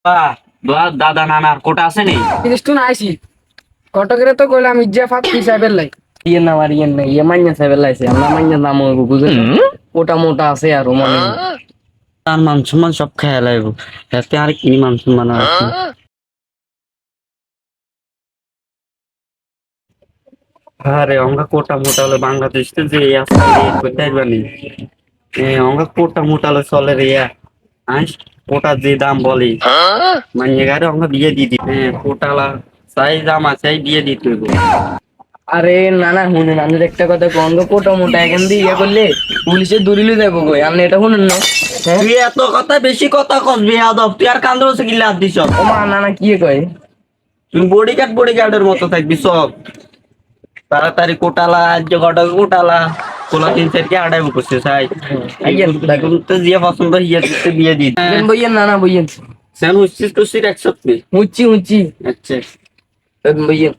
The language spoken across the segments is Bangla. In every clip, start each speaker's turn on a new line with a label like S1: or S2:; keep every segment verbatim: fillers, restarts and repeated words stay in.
S1: বাহ বাহ, দাদা নানার কোটা আছে নি?
S2: তিরিশটু না আইসি কটকের তো কইলাম ইজ্জা ফাত কি সাহেবের লাই ইয়ে না আর ইয়ে না ইয়ে মাইয়া সাহেবের লাইছে আমরা মাইয়া নাম হইব বুঝেন ওটা মোটা আছে আর মনে হয়।
S1: তার মান সম্মান সব খেয়াল আইব, এতে আর কি মান সম্মান আছে? আরে অঙ্গা কোটা মোটা হলে বাংলাদেশ তো যে আসলে কোথায় জানি অঙ্গা কোটা মোটা হলে চলে রে ইয়া। আইস কোটা যে দাম বলি মানে গারে অঙ্গা বিয়ে দিয়ে দি হ্যাঁ কোটালা চাই দাম আছে বিয়ে দিতে হইব।
S2: আরে না না শুনেন আমি একটা কথা কন গো কোটা মোটা এখান দিয়ে ইয়ে করলে পুলিশে দূরিলে যাবো কই আপনি এটা শুনেন না? হ্যাঁ
S1: তুই এত কথা বেশি কথা কস বেয়াদব, তুই আর কান্দর হচ্ছে কি লাভ দিছ?
S2: ও মা না না কি কয়
S1: তুই বডি গার্ড বডি গার্ডের মতো থাকবি সব তাড়াতাড়ি কোটালা আজ কটা কোটালা কোলা তিন চারকে আড়াই বসে চাই এখন তো যে পছন্দ হিয়া দিতে বিয়ে দিই
S2: বইয়েন বইয়েন না না বইয়েন
S1: সেন হচ্ছিস তো সিট একসাথে।
S2: হুচ্ছি হুচ্ছি
S1: আচ্ছা
S2: বইয়েন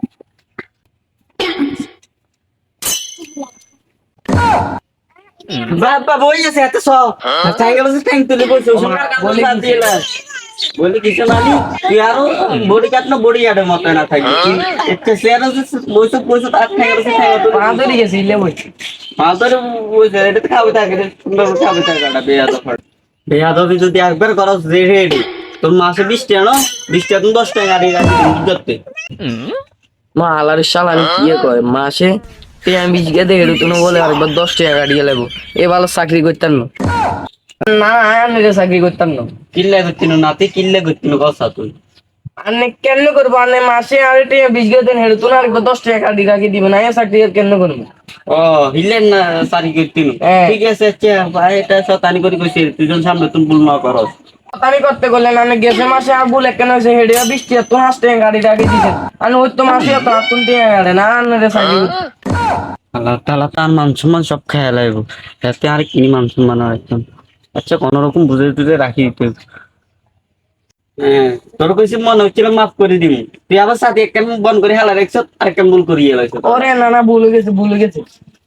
S1: বাবা বই আছে এত সব চাই গেল সে ট্যাঙ্ক তুলে বসে বলে দিলা বলে কিছু নালি তুই আরো বডি গার্ড না বডি গার্ডের মতো না থাকবি একটা শেয়ার আছে বসে বসে তার ঠ্যাঙ্ক আছে ঠ্যাঙ্ক
S2: পা ধরে গেছি ইলে বই
S1: মাদরে বসে এটা তো খাবে থাকে সুন্দর খাবে থাকে না বেয়াদব বেয়াদবি যদি একবার করো রেডি তোর মাসে বিশ টাকা না বিশ টাকা তুমি দশ টাকা গাড়ি গাড়ি করতে
S2: মা আলার শাল আমি কি কয় মাসে তে আমি বিশ গেদে হেরু তুমি বলে আরেকবার দশ টাকা গাড়ি লাগবো এ ভালো চাকরি করতাম না না আমি রে চাকরি করতাম না
S1: কিল্লা করতিন নাতে কিল্লা করতিন কথা তুই
S2: আনে কেন করবো আনে মাসে আরে টাকা বিশ গেদে হেরু তুমি আরেকবার দশ টাকা গাড়ি রাখি দিবে না এ চাকরি আর কেন করবো
S1: ও হিলেন না সারি করতিন
S2: হ্যাঁ।
S1: ঠিক আছে আচ্ছা ভাই এটা শতানি করে কইছি তুই যখন সামনে তুমি ভুল না করস
S2: আমি করতে গেলে না আমি গেছে মাসে আর বলে কেন হয়েছে হেডে বিশ টাকা তো হাস টাকা গাড়ি রাখি দিছে আমি ওই তো মাসে তো আতুন টাকা গাড়ি না আনে রে চাকরি করতে
S1: আল্লাহ তাআলা তার মান সম্মান সব খেয়াল আইব, এতে আর কি মান সম্মান আর একদম। আচ্ছা কোন রকম বুঝে টুঝে রাখি দিতে হ্যাঁ তোর কইছি মনে হচ্ছিল মাফ করে দিবি তুই আবার সাথে এক কেমন বন করে হেলা রেখছ আর কেমন ভুল করিয়ে লাইছ
S2: ওরে না না ভুলে গেছে ভুলে গেছে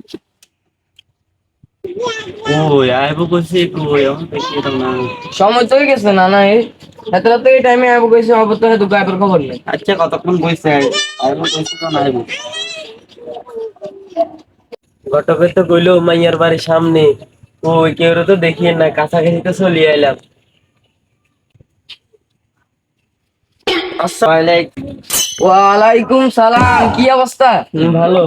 S1: ওই আইবো কইছি কই আমার দেখি তো না।
S2: সময় তো হয়ে গেছে না না এই এত রাত এই টাইমে আইবো কইছে অব তো হেতু গায়ের খবর নেই
S1: আচ্ছা কতক্ষণ বইছে আইবো কইছি তো না আইবো
S2: ঘটকে তো কইলো মাইয়ার বাড়ির সামনে ওই কেউ তো দেখিয়ে না কাছাকাছি তো চলে আইলাম আসসালামু ওয়ালাইকুম সালাম কি অবস্থা ভালো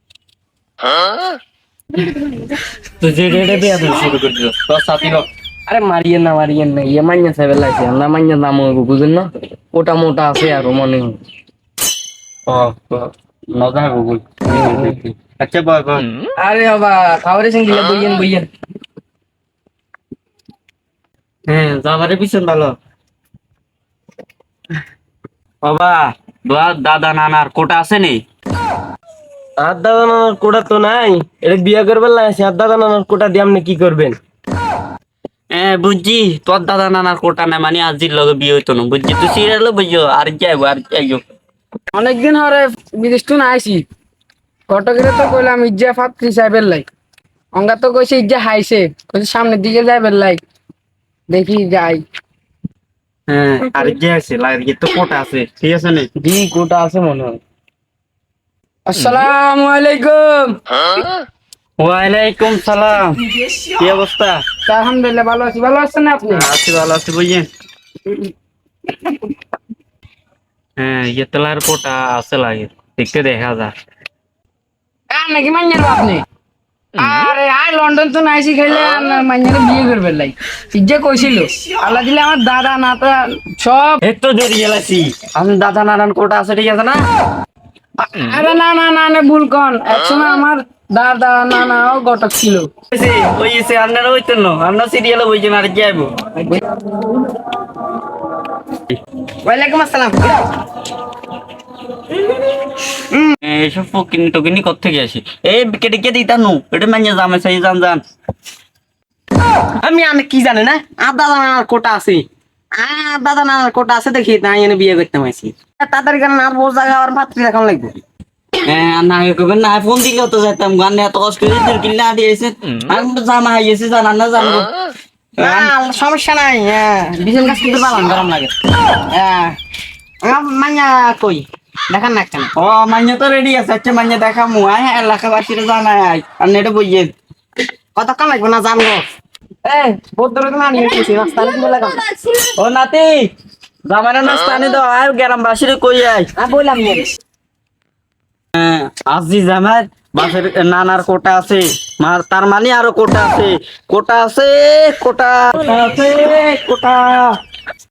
S1: তো যে রেডে বিয়া দিল শুরু করে দিল তোর সাথী লোক
S2: আরে মারিয়েন না মারিয়েন না ইয়ে মাইয়া সাহেবের লাইছে আমরা মাইয়া নাম হইব বুঝেন না ওটা মোটা আছে আর মনে হয়
S1: ও মজা গুগল আচ্ছা বয় বয়
S2: আরে বাবা খাবারের সঙ্গে বইয়েন বইয়েন
S1: হ্যাঁ যাবারে পিছন ভালো বাবা বাবা দাদা নানার কোটা আছে নি?
S2: আর দাদা নানার কোটা তো নাই এটা বিয়া করবেন লাইছে আর দাদা নানার কোটা দিয়ে আপনি কি করবেন
S1: হ্যাঁ বুঝছি তোর দাদা নানার কোটা না মানে আজির লগে বিয়ে হইতো না বুঝছি তুই সিরিয়াল বুঝছো আর যাইবো আর যাইবো
S2: অনেকদিন হরে বিদেশ টু না আইসি কটকের তো কইলাম ইজ্জা ফাত্রি সাহেবের লাই অঙ্গা তো কইছে ইজ্জা হাইছে কইছে সামনের দিকে যাইবেন লাই দেখি যাই
S1: হ্যাঁ আর যে আছে লাগে তো কোটা আছে ঠিক আছে নি
S2: দি কোটা আছে মনে হয় আসসালামু আলাইকুম
S1: ওয়ালাইকুম সালাম কি অবস্থা?
S2: আলহামদুলিল্লাহ ভালো আছি ভালো আছেন না আপনি
S1: আছি ভালো আছি বুঝছেন হ্যাঁ ইয়েতলার কোটা আছে লাগে দেখতে দেখা যায়
S2: আর নাকি মাইনের আপনি আরে আই লন্ডন তো নাইসি খাইলে আপনার মাইনের বিয়ে করবেন লাই ইজ্জা কইছিল আল্লাহ দিলে আমার দাদা নাতা সব
S1: একটু জোরে গেলাছি আমি দাদা নারায়ণ কোটা আছে ঠিক আছে না
S2: আরে না না না না ভুল কন একসময় আমার দাদা নানাও ঘটক ছিল
S1: ওই এসে আপনারা হইতেন না আপনার সিরিয়ালে বইছেন আর কি আইবো
S2: ওয়ালাইকুম আসসালাম
S1: এইসব ফকিনি টকিনি কোত্থেকে আসি এই কেটে কে দিতা নু এটা মানে জামে সাই জান জান
S2: আমি আমি কি জানি না আর দাদা নানার কোটা আছে আর দাদা নানার কোটা আছে দেখি তাই এনে বিয়ে করতে মাইছি তাড়াতাড়ি কেন আর বোঝ জায়গা আর ভাতৃ রাখান লাগবে
S1: হ্যাঁ না কইবেন না ফোন দিলেও তো যাইতাম গান এত কষ্ট করে দিল কিল্লা দিয়েছে আমি তো জামা হাইয়েছে জানা না জানবো
S3: না সমস্যা নাই বিজন গাছ কিন্তু বাগান গরম লাগে মাইয়া কই দেখান না কেন
S1: ও মাইনে তো রেডি আছে আচ্ছা মাইনে দেখামু আয় এলাকাবাসীরা জানাই আয় আর নেটে বইয়ে
S3: কতক্ষণ লাগবে না জানবো এ বহুত দূরে তুমি আনিয়ে গেছি রাস্তা কি লাগাম
S1: ও নাতি জামাইরা নাস্তা আনি দাও আয় গ্রামবাসীরে কই আয়
S3: আমি বললাম নে
S1: হ্যাঁ, আজি জামাই বাসের নানার কোটা আছে মার তার মানে আরো কোটা আছে কোটা আছে কোটা কোটা আছে কোটা